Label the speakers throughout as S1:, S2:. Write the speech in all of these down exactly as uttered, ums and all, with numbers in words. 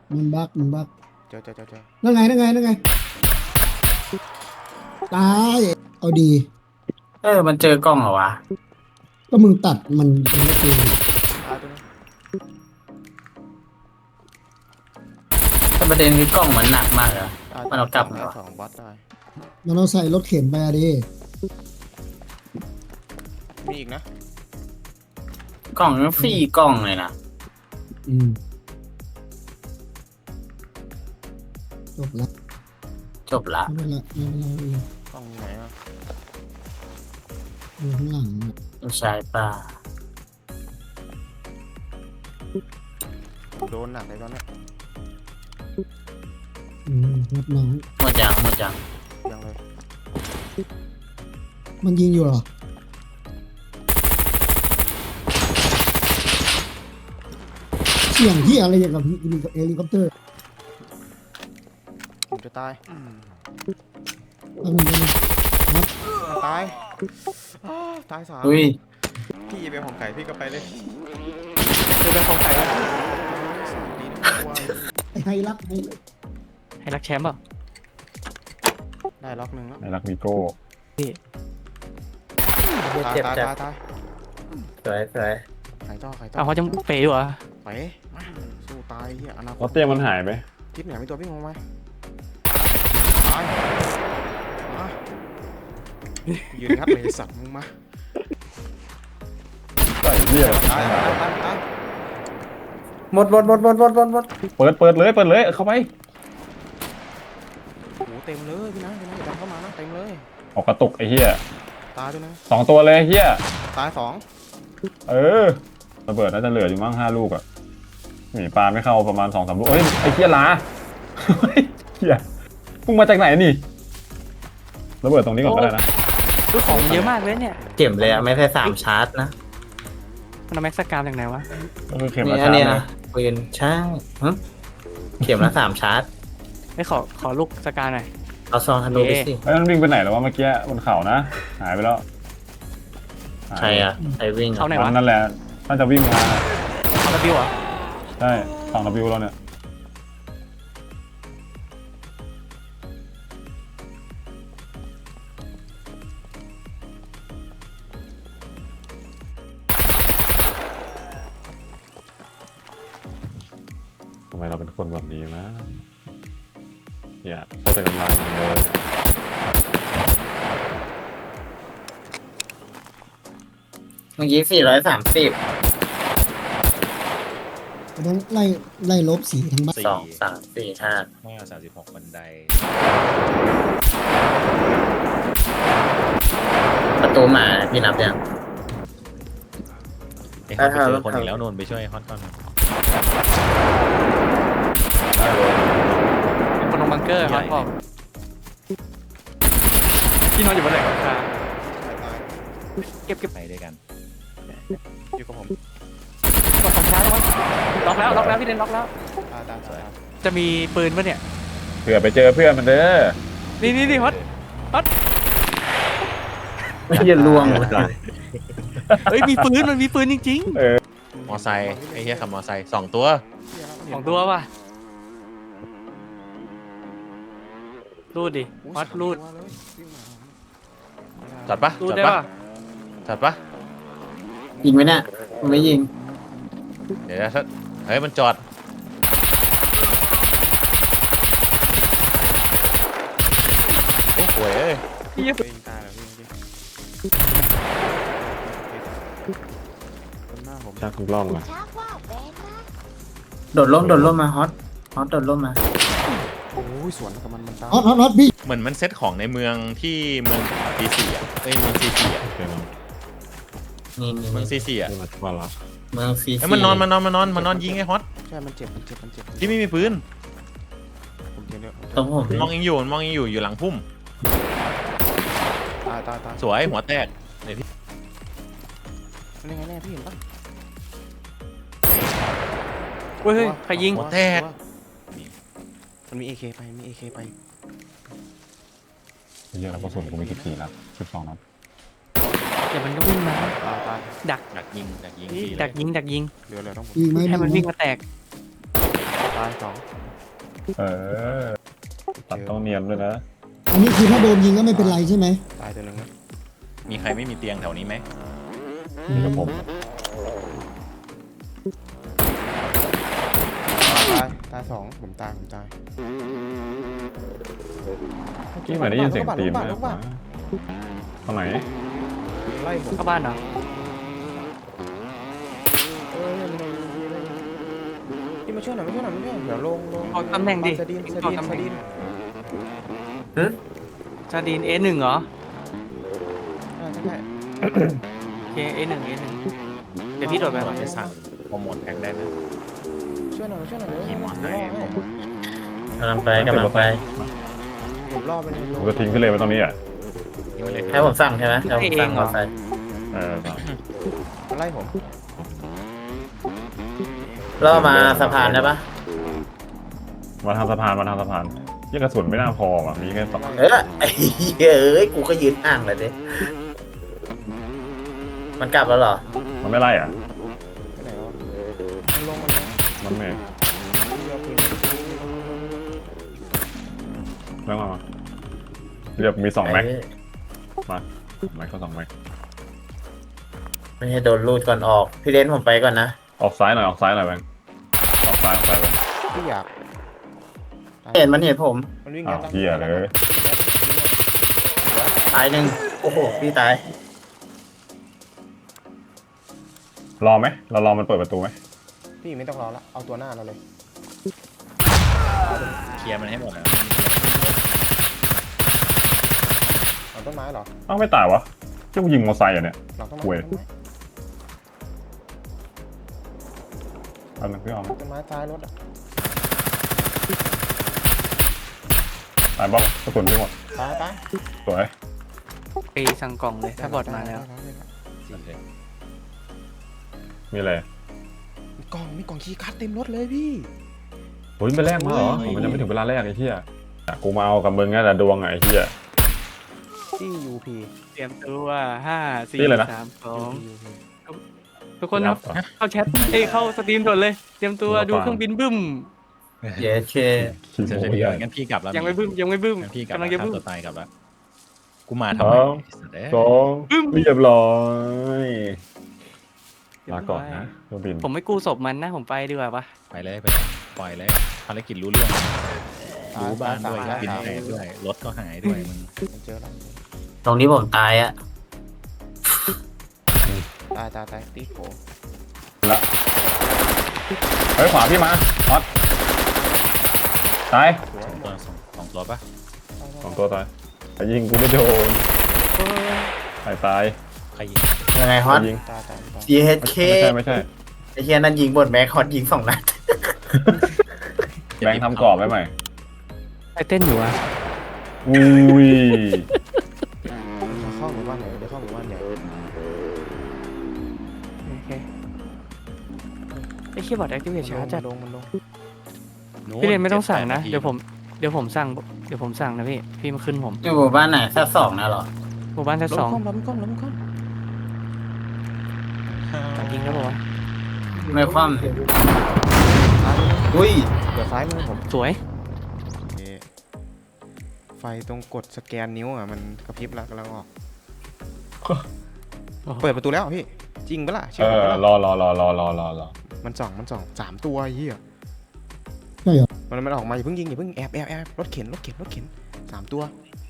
S1: มันบักมันบัก
S2: เจอเจอเจอเจอ
S1: นั่นไงนั่นไงนั่นไงตายเอาดี
S3: เออมันเจอกล้องเหรอวะ
S1: ก็มึงตัดมันมันก็คือ
S2: ตายตัวนึง
S3: แต่ประเด็นคือกล้องมันหนักมากเลยอะ
S2: ตาย
S3: มันเอากลับมา
S2: ได้
S3: วะ
S2: สองบอสได้
S1: มันเอาใส่รถเข็นไปอะดิ
S2: มีอีกนะ
S3: กล้องมันฟรีกล้องเลยนะ
S1: อืมจบละ
S3: จบละ
S1: ไม่เป็นไรไม่เป็นไรไม่เป็นไร
S2: กล้องอยู่ไหนอ่ะ
S1: อยู่ข้างหลังอะ
S3: ไม่ใช่ป่ะ
S2: โดนหนักเลยตอนเนี้ย
S1: อืมรับน้อง
S3: หมดยังหมดยัง
S2: ยังเลย
S1: มันยิงอยู่เหรอเสียงที่อะไรอย่างกับกับเฮลิคอปเตอร์
S2: ผมจะตาย
S1: แล้วมันเป็นครับ
S2: ตายอ้าวตายสาม
S3: อุ้ย
S2: พี่เป็นของไก่พี่ก็ไปเลย
S4: คือเป็นของใครวะ
S2: ดีนะกลัว
S1: ไอ้ไฮรักไฮ
S4: ให้รักแชมป์เปล่า
S2: ได้ล็อกหนึ่งแล้ว
S5: ไอ้รักมิโก้
S2: ตาย
S3: เจ็บ
S2: ตาย
S3: เจ็บ
S2: ตายตาย
S3: สวยสวย
S2: หายต่อหายต่อ
S4: อ้าวเขาจะเป๋ด้วยเหรอ
S2: ไปมาสู้ตายเฮียอนาค
S5: แล้ว
S2: ต
S5: เตี้ยมันหายไป
S2: ทิศไหนมีตัววิ่งลงมาตายมายืนงัดเลยไอ้สัตว์มึงมา
S5: ใส่เหี้ย
S2: ตายตายตายตาย
S3: หมดหมดหมดหมดหมดหมดหมด
S5: เปิดเปิดเลยเปิดเลยเข้าไป
S2: โอ้โหเต็มเลยพี่นะพี่นะอย่าดันเข้ามานะเต็มเลย
S5: ออกกระตุกไอ้เหี้ย
S2: ตายด้วยนะ
S5: สองตัวเลยเหี้ย
S2: ตายสอง
S5: เออระเบิดน่าจะเหลืออยู่มั้งห้าลูกอะหนีปลาไม่เข้าประมาณสองสามลูกเฮ้ยไอ้เหี้ยลาเฮ้ยเหี้ยพุ่งมาจากไหนนี่ระเบิดตรงนี้ก่อนก็ได้นะ
S4: คือของเยอะมากเลยเนี่ย
S3: เจ็บเลยอะไม่ใช่สามชาร์จนะ
S4: มันเอาแม็กซ์สกามจากไหนวะ
S5: ก็คือเข็ม
S3: นี่
S5: ละ
S3: อัน
S5: ชา
S3: นี้
S5: ร์จ
S3: นะปืนใช่หึเข็มละสามชาร์จ
S4: ไม่ขอขอลูกสกาหน่อย
S3: เอาซองธนูไปสิ
S5: ไอ้ยมันวิ่งไปไหนแล้ววะเมื่อกี้บนเขานะหายไปแล้วหาย
S3: ใครอะใครวิ่ง
S4: เขา
S3: อะ
S4: ไหน
S5: มั
S4: วะ
S5: นนั่นแหละน่าจะวิ่งมา
S4: เขาระบิวเหรอ
S5: ใช่ฝั่งระบิวเราเนี่ยทำไมเราเป็นคนแบบนี้นะอย่าเข้าใจกำลังเลย
S3: เมื่อกี้สี่ร้อยสามสิบ
S1: ต้องไล่ไล่ลบสีทั้งบ้าน
S3: สองสามสี่ห้า
S6: ห้าสามสิบหกบันได
S3: ประตูหมาพี่นับยัง
S6: ไอ้ฮอตไปเจอคนอีกแล้วนนท์ไปช่วยฮอตก่อน
S4: คนลงบังเกอร์ฮอตบอกที่นอนอยู่บนไหล่หลังคา
S2: ตายตาย
S4: เก็บเก็บ
S6: ไปด้วยกัน
S2: อยู่กับผม
S4: กดของช้าแล้ววะล็อกแล้วล็อกแล้วพี่เดนล็อกแล้ว
S2: ตายตายตาย
S4: จะมีปืนปะเนี่ย
S5: เผื่อไปเจอเพื่อนมันเด้อ
S4: นี่นี่นี่ฮอตฮอต
S3: ไม่ยันล่วงเลย
S4: เฮ้ยมีปืนมันมีปืนจริง
S6: มอไซค์ไอ้เหี้ยขับมอไซค์สองตัว
S4: ๆของตัวป่ะรูดดิฮอตรูด
S6: จัดปะ
S4: รูด
S6: จัด
S4: ได้
S6: ปะ
S4: ป่ะ
S6: จัดปะ
S3: ยิงไหมเนี่ยมันไม่ยิง
S6: เดี๋ยวนะถ้าเฮ้ยมันจอดโอ้โหเอ้ย
S4: พี่
S2: ยิงตายแล้วพี่จริงคนหน้าผม
S5: ชักกล้องมา
S3: โดดร่มโดดร่มมาฮอตฮอตโดดร่มมา
S2: โอ้ยสวนกับมันมันตาย
S1: ฮอตฮอตฮอตพี่
S6: เหมือนมันเซตของในเมืองที่เมืองซีซีอ่ะเอ้ยเมืองซีซีอ่ะ
S5: โอเคมั้ง
S3: นี่นี่
S6: เมืองซีซีอ่ะ
S5: นี่มาว่าละ
S3: เมืองซี
S6: เอ้ยมันนอนมันนอนมันนอนมันนอนยิงไอ้ฮอต
S2: ใช่มันเจ็บมันเจ็บมันเจ็บ
S6: ที่ไม่มีปืน
S2: ผมเจ็บเนี่ย
S3: ตรงผม
S6: มันมองเองอยู่มันมองเองอยู่อยู่หลังพุ่ม
S2: ตายตายตาย
S6: สวยหัวแตกเนี่ยพี่
S2: มันยังไงแน่พี่เห็นปะ
S4: เฮ้ยเฮ้ยใครยิง
S6: หัวแตก
S2: มันมีเอเคไปมีเอเคไป
S5: เยอะแล้วกระสุนกูมีกี่ทีแล้วสิบสองนัด
S4: เดี๋ยวมันก็วิ่งมา
S2: ตายตาย
S4: ดัก
S6: ดักยิงดักยิง
S4: นี่
S6: ฟรีเลย
S4: ดักยิงดักยิง
S2: เหลือเหลือต้องผม
S1: ยิงไหม
S4: ให้มันวิ่งมาแตก
S2: ตายสอง
S5: เออตัดต้องเนียนด้วยนะ
S1: อันนี้คือถ้าโดนยิงก็ไม่เป็นไรใช่ไหม
S2: ตายตัวหนึ่งนะ
S6: มีใครไม่มีเตียงแถวนี้ไหม
S5: นี่กับผม
S2: ตายตายสองผมตายผมตาย
S5: ที่เหมือนได้ยินเสียงตีนนะตรงไหน
S2: ไล่ผม
S4: เข้าบ้านเหรอ
S2: เออพี่มาช่วยหน่อยมาช่วยหน่อยมาช่วยหน่อยเดี๋ยวลงลง
S4: เอาตำแหน่งดิ
S2: สดีนส
S4: เอา
S2: ดีน
S4: ตำแห
S2: ส
S4: น่ง
S2: ดีน
S4: ซาดีน เอ หนึ่งเหรอ
S2: อ่าใช่ใช่
S4: โอเค เอ หนึ่ง เอ หนึ่งเดี๋ยวพี่โดดไป
S6: เราจะสั่งโปรโมทแพ็กได้ไหม
S2: ช่วยหน่อยมาช่วยหน่อยเดี๋ยว
S6: ขี่มอเตอร์ไซค์
S2: ผม
S3: กำลังไปกำลังไป
S2: ผมล่อไปเลย
S5: ผมจะทิ้งขึ้นเลยไปตรงนี้อ่ะ
S6: นี่มาเลย
S3: ให้ผมสั่งใช่ไหมให้ผมสั่งมอเตอร์ไซค์
S5: เออ
S2: มาไล่ผม
S3: ล่อมาสะพานได้ปะ
S5: มาทางสะพานมาทางสะพานยี่กระสุนไม่น่าพออ่ะมีแค่สอง
S3: เออไอ้เหี้ยเอ้ยกูก็ยืนอ่างเลยดิมันกลับแล้วเหรอ
S5: มันไม่ไล่อ่ะ
S2: ไปไหนวะมันลงมันลง
S5: มันไม่
S2: เรือปืน
S5: เรื่องมามาเรียบมีสองแม็ก
S3: ไอ้
S5: มาแม็กก็สองแม็ก
S3: ไม่ให้โดนลูดก่อนออก พี่เลนผมไปก่อนนะ
S5: ออกซ้ายหน่อยออกซ้ายหน่อยแบงออกซ้ายออกซ้ายไป
S2: ที่อยาก
S3: เห็นมันเห็นผม
S2: มันวิ่ง
S5: อ้าว
S2: ยัด
S5: เฮียเลย
S3: ตายหนึ่งโอ้โห พี่ตาย
S5: รอไหมเรารอมันเปิดประตูไหม
S2: พี่ไม่ต้องรอละเอาตัวหน้าเราเลย
S6: เคลียร์มันให้หมดแล้ว
S2: เอาต้นไม้เหรอ
S5: อ้าวไม่ตายวะเจ้ายิงมอเตอร์ไซค์อ่ะเนี่ย
S2: หลังต้นไม้
S5: เว้ย
S2: ต้นไม้
S5: เอาหนึ่งพี่ออม
S2: ต้นไม้ท้ายรถอะ
S5: ตายบ้างกระสุนพี่หมด
S2: ตายตาย
S5: สวย
S4: ไปสั่งกล่องเลย ถ้าบอดมาแล้ว
S5: มีอะไร
S2: มีกล่องมีกล่องคีย์การ์ดเต็มรถเลยพี่
S5: โอ้ยไปแรกมาเหรอผมมันยังไม่ถึงเวลาแรกไอ้เหี้ยอ่ะกูมาเอากับมึงไงแต่ดวงไงไอ้เหี้ย
S2: ที่ ยู พี
S4: เตรียมตัวห้าสี่
S5: นี่เลยนะ
S4: สามสอง
S2: ยู พี
S4: ทุกคนนะเข้าแชทเอ้ยเข้าสตรีมด่วนเลย เตรียมตัวดูเครื่องบินบึ้ม
S3: เย้เค
S5: ขี้
S6: เฉ
S5: โม้
S6: ย
S5: ใหญ่
S6: ๆงั้นพี่กลับแล้ว
S4: ยังไม่บึ้มยังไม่บึ้ม
S6: งั้นพี่กลับ
S4: กำลัง
S6: แล้ว
S4: จะบึ้ม
S6: ฆ่าตัวตายกลับแล้วกูมาทำไม
S5: สอง
S6: สัตว์เอ้ย
S5: สองเรียบร้อยลาก่อนนะเครื่องบิน
S4: ผมไม่กู้ศพมันนะผมไปดีกว่าปะ
S6: ไปเลยไปเลยปล่อยเลยภารกิจรู้เรื่องรู้บ้านด้วย
S2: ตาย
S6: บิน
S2: ตาย
S6: แตกด้วยรถก็หายด้วยมึง
S2: เจอแล้ว
S3: ตรงนี้ผมตายอะ
S2: ตายตายตายตีโผ
S5: ละเฮ้ยขวาพี่มาฮอตตาย
S2: สวย
S6: สองตัวสองสองตัวปะ
S5: สองตัวตายแต่ยิงกูไม่โดนตายตาย
S6: ใครยิง
S3: ยังไงฮอต
S5: ยิง
S2: ตายตายตาย
S3: เย้เค
S5: ไม่ใช่ไม่ใช่
S3: ไอ้เฮียนั่นยิงบนแม็กฮอตยิงสองนัด
S5: แบงค์ทำกรอบไว้ใหม่
S4: ไปเต้นอยู่อะ
S5: อุ้ย
S2: จะเข้าหมู่บ้านไหนจะเข้าหมู่บ้านใหญ่
S4: โอเคไอ้เคียบอร์ดแอคทีเวทช้าจัด
S2: ลงมันลง
S4: พี่เรนไม่ต้องสั่งนะ
S6: จ็
S4: เดี๋ยวผมเดี๋ยวผมสั่งเดี๋ยวผมสั่งนะพี่พี่มาขึ้นผม
S3: อยู่หมู่บ้านไหนแค่สองนะเหรอ
S4: หมู่บ้านชั้น
S2: ล้
S4: ส
S2: ม
S4: อง
S2: ก้มล้มก้มล้มก้ม
S4: ตัดยิงแล้วบอกว่า
S3: ไม่คว่
S2: ตายเลย
S3: ำอุ้ย
S2: เดี๋ยวซ้ายมือผม
S4: สวย
S2: ไฟตรงกดสแกนนิ้วอ่ะมันกระพริบแล้วกำลังออก เปิดประตูแล้วพี่จริงปะล่ะ
S5: เอ
S2: เชื่อผม
S5: อ
S2: ปะล่ะ
S5: รอรอรอรอรอรอรอ
S2: มันส่องมันส่องสามตัวไอ้เหี้ย
S1: ใช่เหรอ
S2: มันมันออกมาอย่าเพิ่งยิงอย่าเพิ่งแอบแอบแอบรถเข็นรถเข็นรถเข็นสามตัว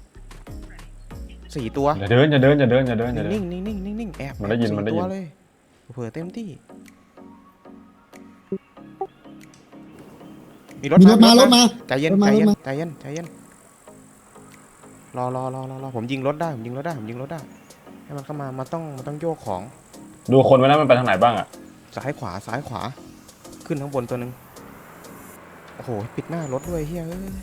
S2: สี่ตัว
S5: อย่าเดินอย่าเดินอย่าเดินอย่าเดินอย่าเดิ
S2: นิ่
S5: น
S2: งนิ่งนิ่งนิ่งนิ่งแอบ
S5: มันได้ยิน
S2: สี่
S5: มันได้ยิน
S2: ตัวเลยเผื่อเต็มที่มีรถ
S1: มีรถมารถมา
S2: ใจเย็น
S1: รถมา
S2: ใจเย็น
S1: รถมา
S2: ใจเย็นใจเย็นรอรอรอรอรอผมยิงรถได้ผมยิงรถได้ผมยิงรถได้ให้มันเข้ามามันต้องมันต้องโยกของ
S5: ดูคนไว้นะมันไปทางไหนบ้างอ่ะ
S2: ซ้ายขวาซ้ายขวาขึ้นข้างบนตัวหนึ่งโอ้โหปิดหน้ารถด้วยเฮ้ยเอ้ย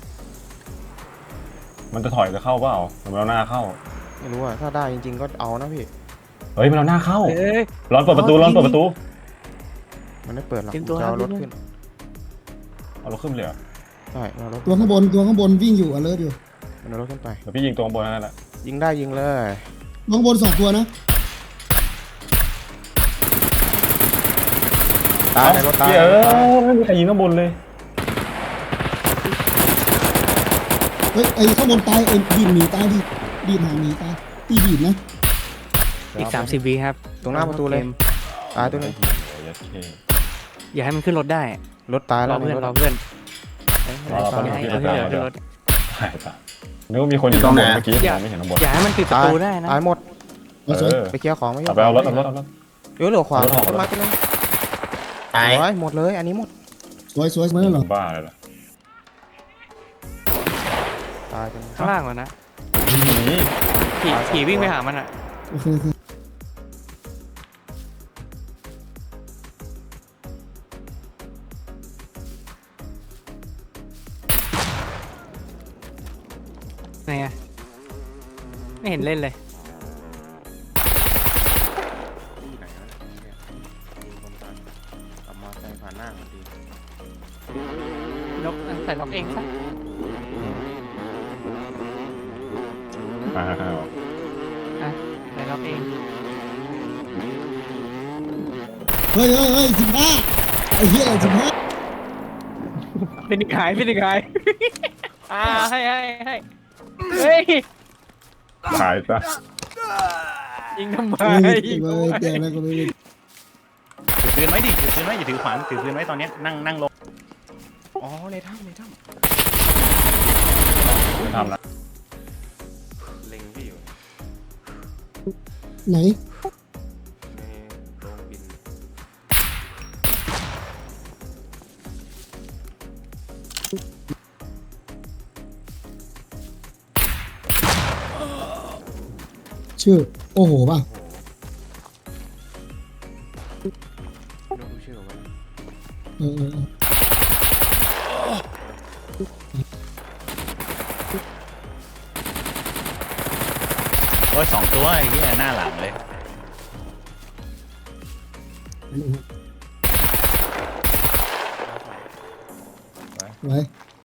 S5: มันจะถอยจะเข้าเปล่าหรือมันเอาหน้าเข้า
S2: ไม่รู้อ่ะถ้าได้จริงๆก็เอานะพี่
S5: เฮ้ยมันเอาหน้าเข้า
S4: เอ้ย
S5: ร้อนเปิดประตูร้อนเปิดประตู
S2: มันไม่เปิดหรอก
S4: เตรียมตัว
S2: จะเอา
S4: ครับ
S2: รถขึ้น
S5: เอารถขึ้นเลยเหรอ
S2: ใช่เอารถ
S1: ตัวข้างบนตัวข้างบนวิ่งอยู่อเลิร์อยู่
S2: มันเอารถขึ้นไป
S5: เดี๋ยวพี่ยิงตัวข้างบนนั่นแหละ
S2: ยิงได้ยิงเลย
S1: ตัวข้างบนสองตัวนะ
S2: ตายในรถตาย
S5: เฮ้ยเออไม่มีใครยิงข้างบนเลย
S1: ฮ้ยไอ้ข้างบนตายไอ้บีบหนีตายดิบีบหาหนีตายตีบีบนะ
S4: อีกสามสิบวิครับ
S2: ตรงหน้าประตูเลย ตายตัวหนึง
S4: อย่าให้มันขึ้นรถได้
S2: รถตาย
S4: ร
S2: แล้
S4: อ
S2: ว
S4: เพื่อน
S2: รถ
S4: รอเพื่อนเอ้ย
S5: รอ
S4: อย่าให้
S5: รอ
S4: เอาที่เหลือ
S5: เดี๋
S4: ขึ้
S5: ย
S4: น
S5: ว
S4: รถ
S5: ใช่ปะนึกว่ามีคนอยู่ข้างบนเมื่อกี้ผมไม่เห็นข้างบน
S4: อย่าให้มันปิดประตูได้นะ
S2: ตายหมด
S1: เอาสวย
S5: เออ
S2: ไปเคลียร์ของไม่ยอ
S5: เอา
S2: ม
S5: ไปเอารถเอารถเอารถ
S2: เดี๋ยวเหลือขวา
S5: เอารถออก
S2: ต้นไม้ตัวหนึง
S3: ตาย
S2: โอ้ยหมดเลยอันนี้หมด
S1: สวยสวยสวยแล้วเหรอ
S5: บ้าเลยเหรอ
S2: ตายตัวหนึง
S4: ข้างล่างก่อนนะ
S5: นี่
S4: ขี่ขี่วิ่งไปหามันอ่ะ
S1: โอเคโอเค
S4: ไงอะไม่เห็นเล่นเลย
S2: ที่ไหนวะเนี่ยดูคนตายขับมอเตอร์ไซค์ผ่านหน้ามันดี
S4: ล็อกใส่ล็อกเองซะ
S5: อ้าว
S4: อ่ะใส่ล็อกเอง
S1: เฮ้ยเฮ้ยเฮ้ยสิบห้าไอ้เหี้ยอะไรสิบห้า
S4: เป็นอีกหายเป็นอีกหาย อ่าให้ให้ให้เฮ้ย
S5: ขายซะ
S4: ยิงทำไม
S1: เฮ้ย
S4: ยิง
S1: เล
S4: ทำ
S1: ย
S4: ไม
S1: เดี๋ยวแล้วก็ไม่ได้
S6: ถือปืนไว้ดิถือปืนไว้อย่าถือขวานถือปืนไว้ตอนเนี้ยนั่งนั่งลง
S2: อ๋อในถ้ำในถ้
S5: ไม่ทำนะ
S2: ำเล็งพี่อยู่
S1: ไหน
S2: ในโรงบิน
S1: ชื่อโอ้โหป่ะ
S2: ดูชื่อไว้
S1: เออเออเออ
S6: โอ้ยสองตัวไอ้เหี้ยหน้าหลังเลย
S1: ไว้